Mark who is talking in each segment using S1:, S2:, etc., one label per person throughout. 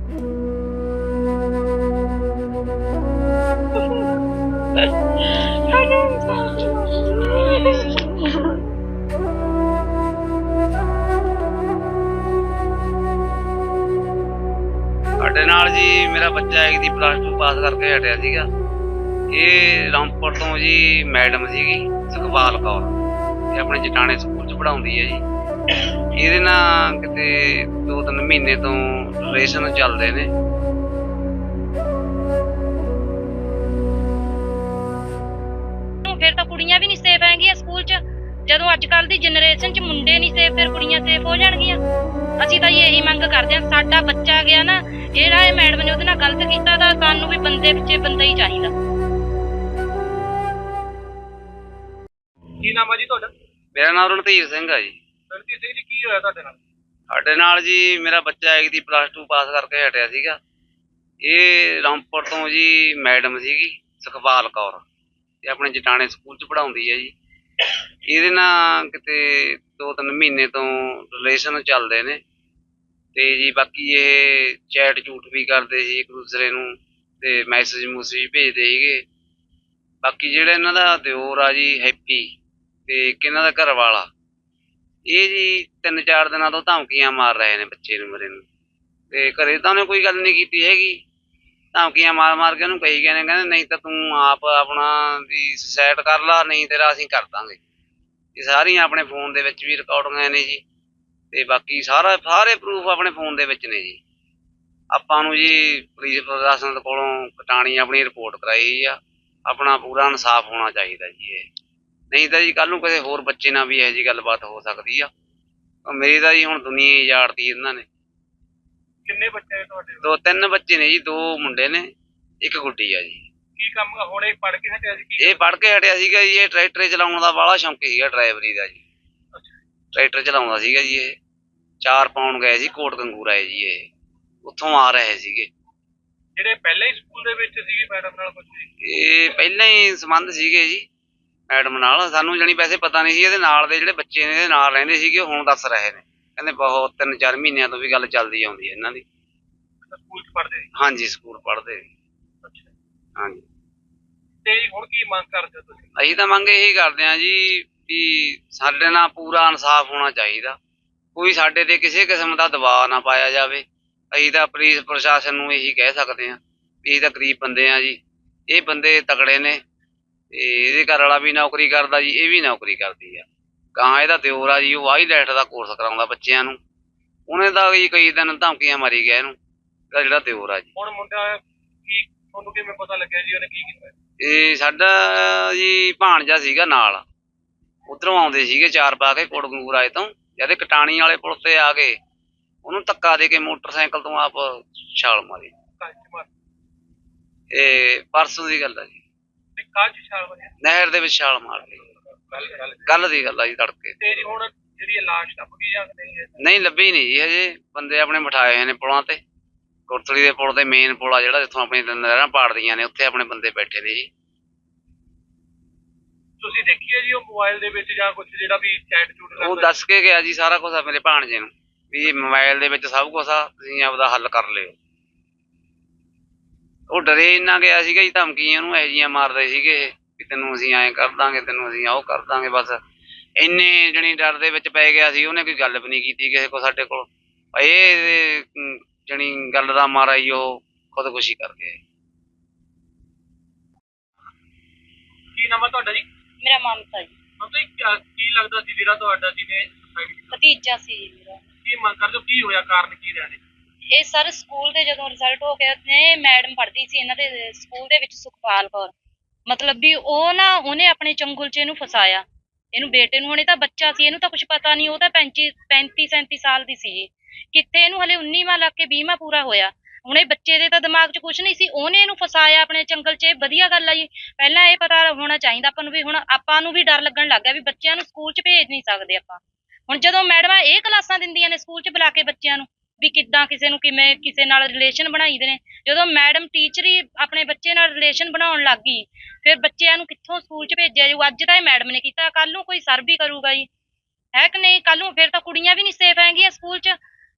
S1: ਸਾਡੇ ਨਾਲ ਜੀ ਮੇਰਾ ਬੱਚਾ ਇੱਕ ਦੀ +2 ਪਾਸ ਕਰਕੇ ਹਟਿਆ ਸੀਗਾ। ਇਹ ਰਾਮਪੁਰ ਤੋਂ ਜੀ ਮੈਡਮ ਸੀਗੀ ਸੁਖਪਾਲ ਕੌਰ, ਇਹ ਆਪਣੇ ਜਟਾਣੇ ਸਕੂਲ 'ਚ ਪੜ੍ਹਾਉਂਦੀ ਹੈ ਜੀ। ਇਹਦੇ ਨਾਲ ਕਿਤੇ 2-3 ਮਹੀਨੇ ਤੋਂ ਰਿਲੇਸ਼ਨ ਚੱਲਦੇ ਨੇ।
S2: ਫਿਰ ਤਾਂ ਕੁੜੀਆਂ ਵੀ ਨਹੀਂ ਸੇਫ ਹੈਗੀਆਂ ਸਕੂਲ 'ਚ। ਜਦੋਂ ਅੱਜ ਕੱਲ੍ਹ ਦੀ ਜਨਰੇਸ਼ਨ 'ਚ ਮੁੰਡੇ ਨਹੀਂ ਸੇਫ, ਫਿਰ ਕੁੜੀਆਂ ਸੇਫ ਹੋ ਜਾਣਗੀਆਂ। ਅਸੀਂ ਤਾਂ ਇਹੀ ਮੰਗ ਕਰਦੇ ਹਾਂ, ਸਾਡਾ ਬੱਚਾ ਗਿਆ ਨਾ, ਜਿਹੜਾ ਇਹ ਮੈਡਮ ਨੇ ਉਹਦੇ ਨਾਲ ਗਲਤ ਕੀਤਾ, ਤਾਂ ਸਾਨੂੰ ਵੀ ਬੰਦੇ ਪਿੱਛੇ ਬੰਦਾ ਹੀ ਚਾਹੀਦਾ।
S3: ਕੀ ਨਾਮ ਆ ਜੀ ਤੁਹਾਡਾ?
S1: ਮੇਰਾ ਨਾਮ ਰਣਧੀਰ ਸਿੰਘ ਆ ਜੀ।
S3: ਰਣਜੀਤ ਸਿੰਘ ਜੀ, ਕੀ ਹੋਇਆ ਤੁਹਾਡੇ ਨਾਲ?
S1: ਸਾਡੇ ਨਾਲ ਜੀ ਮੇਰਾ ਬੱਚਾ ਇੱਕ ਦੀ +2 ਪਾਸ ਕਰਕੇ ਹਟਿਆ ਸੀਗਾ। ਇਹ ਰਾਮਪੁਰ ਤੋਂ ਜੀ ਮੈਡਮ ਸੀਗੀ ਸੁਖਪਾਲ ਕੌਰ, ਇਹ ਆਪਣੇ ਜਟਾਣੇ ਸਕੂਲ 'ਚ ਪੜ੍ਹਾਉਂਦੀ ਹੈ ਜੀ। ਇਹਦੇ ਨਾਲ ਕਿਤੇ 2-3 ਮਹੀਨੇ ਤੋਂ ਰਿਲੇਸ਼ਨ ਚੱਲਦੇ ਨੇ ਤੇ ਜੀ ਬਾਕੀ ਇਹ ਚੈਟ ਝੂਠ ਵੀ ਕਰਦੇ ਸੀ ਇੱਕ ਦੂਸਰੇ ਨੂੰ ਤੇ ਮੈਸੇਜ ਮੂਸੇਜ ਭੇਜਦੇ ਸੀਗੇ। ਬਾਕੀ ਜਿਹੜਾ ਇਹਨਾਂ ਦਾ ਦਿਓਰ ਆ ਜੀ ਹੈਪੀ ਤੇ ਇੱਕ ਇਹਨਾਂ ਦਾ ਘਰ ਵਾਲਾ, ਇਹ ਜੀ 3-4 ਦਿਨਾਂ ਤੋਂ ਧਮਕੀਆਂ ਮਾਰ ਰਹੇ ਨੇ ਬੱਚੇ ਨੂੰ ਮੇਰੇ ਨੂੰ, ਤੇ ਘਰੇ ਤਾਂ ਉਹਨੇ ਕੋਈ ਗੱਲ ਨਹੀਂ ਕੀਤੀ ਹੈਗੀ। ਧਮਕੀਆਂ ਮਾਰ ਕੇ ਉਹਨੂੰ ਕਹੀ ਗਏ ਨੇ, ਕਹਿੰਦੇ ਨਹੀਂ ਤਾਂ ਤੂੰ ਆਪ ਆਪਣਾ ਵੀ ਸੁਸਾਈਡ ਕਰ ਲਾ, ਨਹੀਂ ਤੇਰਾ ਅਸੀਂ ਕਰ ਦਾਂਗੇ। ਇਹ ਸਾਰੀਆਂ ਆਪਣੇ ਫੋਨ ਦੇ ਵਿੱਚ ਵੀ ਰਿਕਾਰਡਿੰਗਾਂ ਨੇ ਜੀ, ਤੇ ਬਾਕੀ ਸਾਰੇ ਪ੍ਰੂਫ ਆਪਣੇ ਫੋਨ ਦੇ ਵਿੱਚ ਨੇ ਜੀ। ਆਪਾਂ ਨੂੰ ਜੀ ਪੁਲਿਸ ਪ੍ਰਸ਼ਾਸਨ ਕੋਲੋਂ ਕਟਾਣੀ ਆਪਣੀ ਰਿਪੋਰਟ ਕਰਾਈ ਆ, ਆਪਣਾ ਪੂਰਾ ਇਨਸਾਫ ਹੋਣਾ ਚਾਹੀਦਾ ਜੀ। ਇਹ ਨਹੀਂ ਤਾਂ ਜੀ ਕੱਲ ਨੂੰ ਕਿਸੇ ਹੋਰ ਬੱਚੇ ਨਾਲ ਵੀ ਇਹੋ ਜਿਹੀ ਗੱਲਬਾਤ ਹੋ ਸਕਦੀ ਆ। ਮੇਰੀ ਤਾਂ ਜੀ ਹੁਣ ਦੁਨੀਆ ਹੀ ਉਜਾੜਤੀ ਇਹਨਾਂ ਨੇ।
S3: ਕਿੰਨੇ ਬੱਚੇ ਨੇ ਤੁਹਾਡੇ?
S1: 2-3 ਬੱਚੇ ਨੇ ਜੀ, 2 ਮੁੰਡੇ ਨੇ, 1 ਗੁੱਡੀ ਆ ਜੀ।
S3: ਕੀ ਕੰਮ ਹੁਣ ਇਹ ਪੜ੍ਹ ਕੇ ਹਟਿਆ ਸੀ?
S1: ਇਹ ਪੜ੍ਹ ਕੇ ਹਟਿਆ ਸੀਗਾ ਜੀ। ਇਹ ਟਰੈਕਟਰ ਚਲਾਉਣ ਦਾ ਬਾਹਲਾ ਸ਼ੌਂਕ ਸੀਗਾ, ਡਰਾਈਵਰੀ ਦਾ ਜੀ। ਟਰੈਕਟਰ ਚਲਾਉਂਦਾ ਸੀਗਾ ਜੀ। ਇਹ 4 ਪਾਉਣ ਗਏ ਸੀ ਕੋਟ ਗੰਗੂਰਾ ਹੈ ਜੀ। ਇਹ ਉੱਥੋਂ ਆ ਰਹੇ ਸੀਗੇ।
S3: ਜਿਹੜੇ ਪਹਿਲਾਂ ਹੀ ਸਕੂਲ ਦੇ ਵਿੱਚ ਸੀਗੇ ਮੈਡਮ ਨਾਲ ਕੁਝ?
S1: ਇਹ ਪਹਿਲਾਂ ਹੀ ਸੰਬੰਧ ਸੀਗੇ ਜੀ ਮੈਡਮ ਨਾਲ। ਸਾਨੂੰ ਜਾਣੀ ਵੈਸੇ ਪਤਾ ਨਹੀਂ ਸੀ। ਇਹਦੇ ਨਾਲ ਦੇ ਜਿਹੜੇ ਬੱਚੇ ਨੇ ਇਹਦੇ ਨਾਲ ਰਹਿੰਦੇ ਸੀਗੇ, ਉਹ ਹੁਣ ਦੱਸ ਰਹੇ ਨੇ, ਕਹਿੰਦੇ ਬਹੁਤ 3-4 ਮਹੀਨਿਆਂ ਤੋਂ ਵੀ ਗੱਲ ਚੱਲਦੀ ਆਉਂਦੀ ਹੈ ਇਹਨਾਂ ਦੀ।
S3: ਸਕੂਲ 'ਚ ਪੜ੍ਹਦੇ?
S1: ਹਾਂਜੀ, ਸਕੂਲ ਪੜ੍ਹਦੇ। ਹਾਂਜੀ।
S3: ਤੇ ਹੁਣ ਕੀ ਮੰਗ ਕਰਦੇ ਹੋ ਤੁਸੀਂ?
S1: ਅਸੀਂ ਤਾਂ ਮੰਗ ਇਹੀ ਕਰਦੇ ਹਾਂ ਜੀ ਵੀ ਸਾਡੇ ਨਾਲ ਪੂਰਾ ਇਨਸਾਫ ਹੋਣਾ ਚਾਹੀਦਾ। ਕੋਈ ਸਾਡੇ ਤੇ ਕਿਸੇ ਕਿਸਮ ਦਾ ਦਬਾਅ ਨਾ ਪਾਇਆ ਜਾਵੇ। ਅਸੀਂ ਤਾਂ ਪੁਲਿਸ ਪ੍ਰਸ਼ਾਸਨ ਨੂੰ ਇਹੀ ਕਹਿ ਸਕਦੇ ਹਾਂ ਵੀ ਅਸੀਂ ਤਾਂ ਗਰੀਬ ਬੰਦੇ ਹਾਂ ਜੀ। ਇਹ ਬੰਦੇ ਤਕੜੇ ਨੇ ਤੇ ਇਹਦੇ ਘਰ ਵਾਲਾ ਵੀ ਨੌਕਰੀ ਕਰਦਾ ਜੀ, ਇਹ ਵੀ ਨੌਕਰੀ ਕਰਦੀ ਆ। ਗਾਂ ਇਹਦਾ ਦਿਓਰ ਆ ਜੀ, ਉਹ ਵਾਈਲੈਟ ਦਾ ਕੋਰਸ ਕਰਾਉਂਦਾ ਬੱਚਿਆਂ ਨੂੰ। ਉਹਨੇ ਤਾਂ ਜੀ ਕਈ ਦਿਨ ਧਮਕੀਆਂ ਮਾਰੀ ਗਿਆ ਇਹਨੂੰ, ਇਹਦਾ ਜਿਹੜਾ ਦਿਓਰ ਆ ਜੀ।
S3: ਹੁਣ ਮੁੰਡਾ ਕੀ, ਤੁਹਾਨੂੰ ਕਿਵੇਂ ਪਤਾ ਲੱਗਿਆ ਜੀ ਉਹਨੇ ਕੀ ਕੀਤਾ?
S1: ਇਹ ਸਾਡਾ ਜੀ ਭਾਣਜਾ ਸੀਗਾ ਨਾਲ, ਉਧਰੋਂ ਆਉਂਦੇ ਸੀਗੇ 4 ਪਾ ਕੇ ਕੋਟਗੰਗੂਰਾਏ ਤੋਂ। ਜਦ ਕਟਾਣੀ ਵਾਲੇ ਪੁਲ ਤੇ ਆ ਗਏ, ਉਹਨੂੰ ਧੱਕਾ ਦੇ ਕੇ ਮੋਟਰਸਾਈਕਲ ਤੋਂ ਆਪ ਛਾਲ ਮਾਰੀ। ਇਹ ਪਰਸੋਂ ਦੀ ਗੱਲ ਆ ਜੀ। ਨਹਿਰ ਦੇ ਵਿੱਚ ਛਾਲ ਮਾਰ ਲਈ। ਕੱਲ ਦੀ ਗੱਲ ਆ ਜੀ, ਤੜਕੇ।
S3: ਤੇ ਜੀ ਹੁਣ ਜਿਹੜੀ ਲਾਸ਼ ਲੱਭ ਗਈ ਜਾਂ ਨਹੀਂ?
S1: ਨਹੀਂ ਲੱਭੀ ਨਹੀਂ ਜੀ ਹਜੇ। ਬੰਦੇ ਆਪਣੇ ਬਿਠਾਏ ਹੋਏ ਨੇ ਪੁਲਾਂ ਤੇ, ਕੋਟਲੀ ਦੇ ਪੁਲ ਤੇ, ਮੇਨ ਪੁਲ ਆ ਜਿਹੜਾ ਜਿੱਥੋਂ ਆਪਣੀ ਨਹਿਰਾਂ ਪਾੜਦੀਆਂ ਨੇ, ਉੱਥੇ ਆਪਣੇ ਬੰਦੇ ਬੈਠੇ ਨੇ ਜੀ।
S3: ਤੁਸੀਂ ਦੇਖੀ ਹੈ ਜੀ ਉਹ ਮੋਬਾਈਲ ਦੇ ਵਿੱਚ ਜਾਂ ਕੁਝ ਜਿਹੜਾ ਵੀ ਚੈਟ ਚੂਟ
S1: ਉਹ ਦੱਸ ਕੇ ਗਿਆ ਜੀ ਸਾਰਾ ਕੁਛ ਆ ਮੇਰੇ ਭਾਣਜੇ ਨੂੰ, ਵੀ ਮੋਬਾਈਲ ਦੇ ਵਿੱਚ ਸਭ ਕੁਛ ਆ, ਤੁਸੀਂ ਆਪਦਾ ਹੱਲ ਕਰ ਲਿਓ। ਉਹ ਡਰੇ ਇੰਨਾ ਗਿਆ ਸੀਗਾ ਜੀ, ਧਮਕੀਆਂ ਉਹਨੂੰ ਇਹੋ ਜਿਹੀਆਂ ਮਾਰਦੇ ਸੀਗੇ ਵੀ ਤੈਨੂੰ ਅਸੀਂ ਐਂ ਕਰ ਦਾਂਗੇ, ਤੈਨੂੰ ਅਸੀਂ ਉਹ ਕਰ ਦਾਂਗੇ। ਬਸ ਇੰਨੇ ਜਣੀ ਡਰ ਦੇ ਵਿੱਚ ਪੈ ਗਿਆ ਸੀ, ਉਹਨੇ ਕੋਈ ਗੱਲ ਵੀ ਨਹੀਂ ਕੀਤੀ ਕਿਸੇ ਕੋਲ ਸਾਡੇ ਕੋਲ। ਇਹ ਜਣੀ ਗੱਲ ਦਾ ਮਾਰਾ ਹੀ ਉਹ ਖੁਦਕੁਸ਼ੀ ਕਰ ਗਿਆ।
S3: ਕੀ ਨਾਮ ਆ ਤੁਹਾਡਾ ਜੀ?
S2: ਮੇਰਾ ਮਮਤਾ ਜੀ।
S3: ਮਤਲਬ ਕੀ ਲੱਗਦਾ ਸੀ ਜਿਹੜਾ ਤੁਹਾਡਾ ਜਿਹਨੇ
S2: ਭਤੀਜਾ ਸੀ ਜੀ ਮੇਰਾ।
S3: ਕੀ ਮੰਗ ਕਰਦੇ ਹੋ? ਕੀ ਹੋਇਆ, ਕਾਰਨ ਕੀ ਰਹੇ?
S2: ਇਹ ਸਰ ਸਕੂਲ ਦੇ ਜਦੋਂ ਰਿਜ਼ਲਟ ਹੋ ਗਿਆ ਨੇ, ਮੈਡਮ ਪੜ੍ਹਦੀ ਸੀ ਇਹਨਾਂ ਦੇ ਸਕੂਲ ਦੇ ਵਿੱਚ, ਸੁਖਪਾਲ ਕੌਰ। ਮਤਲਬ ਵੀ ਉਹ ਨਾ, ਉਹਨੇ ਆਪਣੇ ਚੰਗੁਲ 'ਚ ਇਹਨੂੰ ਫਸਾਇਆ, ਇਹਨੂੰ ਬੇਟੇ ਨੂੰ। ਹੁਣੇ ਤਾਂ ਬੱਚਾ ਸੀ, ਇਹਨੂੰ ਤਾਂ ਕੁਛ ਪਤਾ ਨਹੀਂ। ਉਹ ਤਾਂ 35-37 ਸਾਲ ਦੀ ਸੀ। ਕਿੱਥੇ ਇਹਨੂੰ ਹਲੇ 19ਵਾਂ ਲੱਗ ਕੇ 20ਵਾਂ ਪੂਰਾ ਹੋਇਆ। ਹੁਣ ਇਹ ਬੱਚੇ ਦੇ ਤਾਂ ਦਿਮਾਗ 'ਚ ਕੁਛ ਨਹੀਂ ਸੀ, ਉਹਨੇ ਇਹਨੂੰ ਫਸਾਇਆ ਆਪਣੇ ਚੰਗਲ 'ਚ। ਇਹ ਵਧੀਆ ਗੱਲ ਆ ਜੀ। ਪਹਿਲਾਂ ਇਹ ਪਤਾ ਹੋਣਾ ਚਾਹੀਦਾ ਆਪਾਂ ਨੂੰ ਵੀ। ਹੁਣ ਆਪਾਂ ਨੂੰ ਵੀ ਡਰ ਲੱਗਣ ਲੱਗ ਗਿਆ ਵੀ ਬੱਚਿਆਂ ਨੂੰ ਸਕੂਲ 'ਚ ਭੇਜ ਨਹੀਂ ਸਕਦੇ ਆਪਾਂ। ਹੁਣ ਜਦੋਂ ਮੈਡਮਾਂ ਇਹ ਕਲਾਸਾਂ ਦਿੰਦੀਆਂ ਨੇ ਸਕੂਲ 'ਚ ਬੁਲਾ ਕੇ ਬੱਚਿਆਂ ਨੂੰ, ਵੀ ਕਿੱਦਾਂ ਕਿਸੇ ਨੂੰ ਕਿਵੇਂ ਕਿਸੇ ਨਾਲ ਰਿਲੇਸ਼ਨ ਬਣਾਈਦੇ ਨੇ। ਜਦੋਂ ਮੈਡਮ ਟੀਚਰ ਹੀ ਆਪਣੇ ਬੱਚੇ ਨਾਲ ਰਿਲੇਸ਼ਨ ਬਣਾਉਣ ਲੱਗ ਗਈ, ਫਿਰ ਬੱਚਿਆਂ ਨੂੰ ਕਿੱਥੋਂ ਸਕੂਲ 'ਚ ਭੇਜਿਆ ਜਾਊ? ਅੱਜ ਤਾਂ ਇਹ ਮੈਡਮ ਨੇ ਕੀਤਾ, ਕੱਲ ਨੂੰ ਕੋਈ ਸਰ ਵੀ ਕਰੂਗਾ ਜੀ, ਹੈ ਕਿ ਨਹੀਂ? ਕੱਲ ਨੂੰ ਫਿਰ ਤਾਂ ਕੁੜੀਆਂ ਵੀ ਨਹੀਂ ਸੇਫ ਹੈਗੀਆਂ ਸਕੂਲ 'ਚ।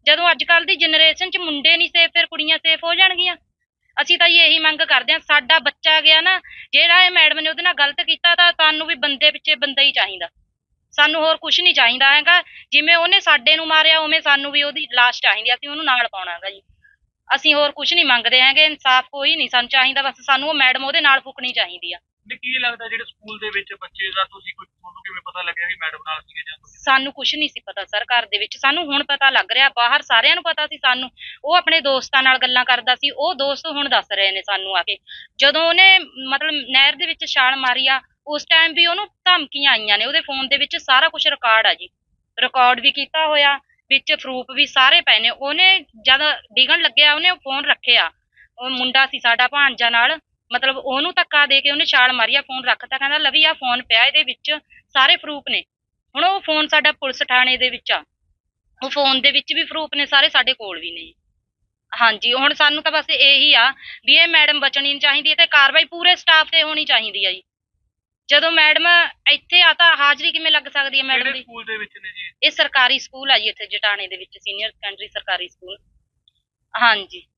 S2: ਜਦੋਂ ਅੱਜ ਕੱਲ ਦੀ ਜਨਰੇਸ਼ਨ 'ਚ ਮੁੰਡੇ ਨਹੀਂ ਸੇਫ ਫਿਰ ਕੁੜੀਆਂ ਸੇਫ ਹੋ ਜਾਣਗੀਆਂ। ਅਸੀਂ ਤਾਂ ਜੀ ਇਹੀ ਮੰਗ ਕਰਦੇ ਹਾਂ, ਸਾਡਾ ਬੱਚਾ ਗਿਆ ਨਾ, ਜਿਹੜਾ ਇਹ ਮੈਡਮ ਨੇ ਉਹਦੇ ਨਾਲ ਗਲਤ ਕੀਤਾ, ਤਾਂ ਸਾਨੂੰ ਵੀ ਬੰਦੇ ਪਿੱਛੇ ਬੰਦਾ ਹੀ ਚਾਹੀਦਾ, ਸਾਨੂੰ ਹੋਰ ਕੁਝ ਨਹੀਂ ਚਾਹੀਦਾ ਹੈਗਾ। ਜਿਵੇਂ ਉਹਨੇ ਸਾਡੇ ਨੂੰ ਮਾਰਿਆ ਉਵੇਂ ਸਾਨੂੰ ਵੀ ਉਹਦੀ ਲਾਸ਼ ਚਾਹੀਦੀ ਆ, ਅਸੀਂ ਉਹਨੂੰ ਨਾਲ ਪਾਉਣਾ ਹੈਗਾ ਜੀ। ਅਸੀਂ ਹੋਰ ਕੁਝ ਨਹੀਂ ਮੰਗਦੇ ਹੈਗੇ, ਇਨਸਾਫ ਕੋਈ ਨਹੀਂ ਸਾਨੂੰ ਚਾਹੀਦਾ, ਬਸ ਸਾਨੂੰ ਉਹ ਮੈਡਮ ਉਹਦੇ ਨਾਲ ਫੁਕਣੀ ਚਾਹੀਦੀ ਆ।
S3: ਤੇ ਕੀ ਲੱਗਦਾ ਜਿਹੜੇ ਸਕੂਲ ਦੇ ਵਿੱਚ ਬੱਚੇ ਦਾ ਤੁਸੀਂ ਕੋਈ ਤੁਹਾਨੂੰ ਕਿਵੇਂ ਪਤਾ ਲੱਗਿਆ ਵੀ ਮੈਡਮ ਨਾਲ ਸੀਗੇ ਜਾਂ ਤੁਸੀਂ?
S2: ਸਾਨੂੰ ਕੁਝ ਨਹੀਂ ਸੀ ਪਤਾ ਸਰ, ਘਰ ਦੇ ਵਿੱਚ ਸਾਨੂੰ ਹੁਣ ਪਤਾ ਲੱਗ ਰਿਹਾ, ਬਾਹਰ ਸਾਰਿਆਂ ਨੂੰ ਪਤਾ ਸੀ ਸਾਨੂੰ। ਉਹ ਆਪਣੇ ਦੋਸਤਾਂ ਨਾਲ ਗੱਲਾਂ ਕਰਦਾ ਸੀ, ਉਹ ਦੋਸਤ ਹੁਣ ਦੱਸ ਰਹੇ ਨੇ ਸਾਨੂੰ ਆ ਕੇ, ਜਦੋਂ ਉਹਨੇ ਮਤਲਬ ਨਹਿਰ ਦੇ ਵਿੱਚ ਛਾਲ ਮਾਰੀ ਆ, ਉਸ ਟਾਈਮ ਵੀ ਉਹਨੂੰ ਧਮਕੀਆਂ ਆਈਆਂ ਨੇ, ਉਹਦੇ ਫੋਨ ਦੇ ਵਿੱਚ ਸਾਰਾ ਕੁਝ ਰਿਕਾਰਡ ਆ ਜੀ, ਰਿਕਾਰਡ ਵੀ ਕੀਤਾ ਹੋਇਆ, ਵਿੱਚ ਪ੍ਰੂਫ ਵੀ ਸਾਰੇ ਪਏ ਨੇ। ਉਹਨੇ ਜਦ ਡਿੱਗਣ ਲੱਗਿਆ ਉਹਨੇ ਫੋਨ ਰੱਖਿਆ, ਉਹ ਮੁੰਡਾ ਸੀ ਸਾਡਾ ਭਾਣਜਾ ਨਾਲ, ਮਤਲਬ ਉਹਨੂੰ ਧੱਕਾ ਦੇ ਕੇ ਉਹਨੇ ਛਾਲ ਮਾਰੀ ਆ, ਫੋਨ ਰੱਖਤਾ, ਕਹਿੰਦਾ ਲਵੀ ਆ ਫੋਨ ਪਿਆ, ਇਹਦੇ ਵਿੱਚ ਸਾਰੇ ਪ੍ਰੂਫ ਨੇ। ਹੁਣ ਉਹ ਫੋਨ ਸਾਡਾ ਪੁਲਿਸ ਥਾਣੇ ਦੇ ਵਿੱਚ ਆ, ਉਹ ਫੋਨ ਦੇ ਵਿੱਚ ਵੀ ਪ੍ਰੂਫ ਨੇ ਸਾਰੇ, ਸਾਡੇ ਕੋਲ ਵੀ ਨੇ। ਹਾਂਜੀ, ਹੁਣ ਸਾਨੂੰ ਤਾਂ ਬਸ ਇਹੀ ਆ ਵੀ ਇਹ ਮੈਡਮ ਬਚਣੀ ਨਹੀਂ ਚਾਹੀਦੀ ਤੇ ਕਾਰਵਾਈ ਪੂਰੇ ਸਟਾਫ ਤੇ ਹੋਣੀ ਚਾਹੀਦੀ ਆ ਜੀ। ਜਦੋਂ ਮੈਡਮ ਇੱਥੇ ਆ ਤਾਂ ਹਾਜ਼ਰੀ ਕਿਵੇਂ ਲੱਗ ਸਕਦੀ ਹੈ ਮੈਡਮ
S3: ਕਿਹੜੇ
S2: ਦੀ?
S3: ਸਕੂਲ ਦੇ ਵਿੱਚ ਨੇ ਜੀ?
S2: ਇਹ ਸਰਕਾਰੀ ਸਕੂਲ ਆ ਜੀ, ਇੱਥੇ ਜਟਾਣੇ ਦੇ ਵਿੱਚ ਸੀਨੀਅਰ ਸੈਕੰਡਰੀ ਸਰਕਾਰੀ ਸਕੂਲ। ਹਾਂਜੀ।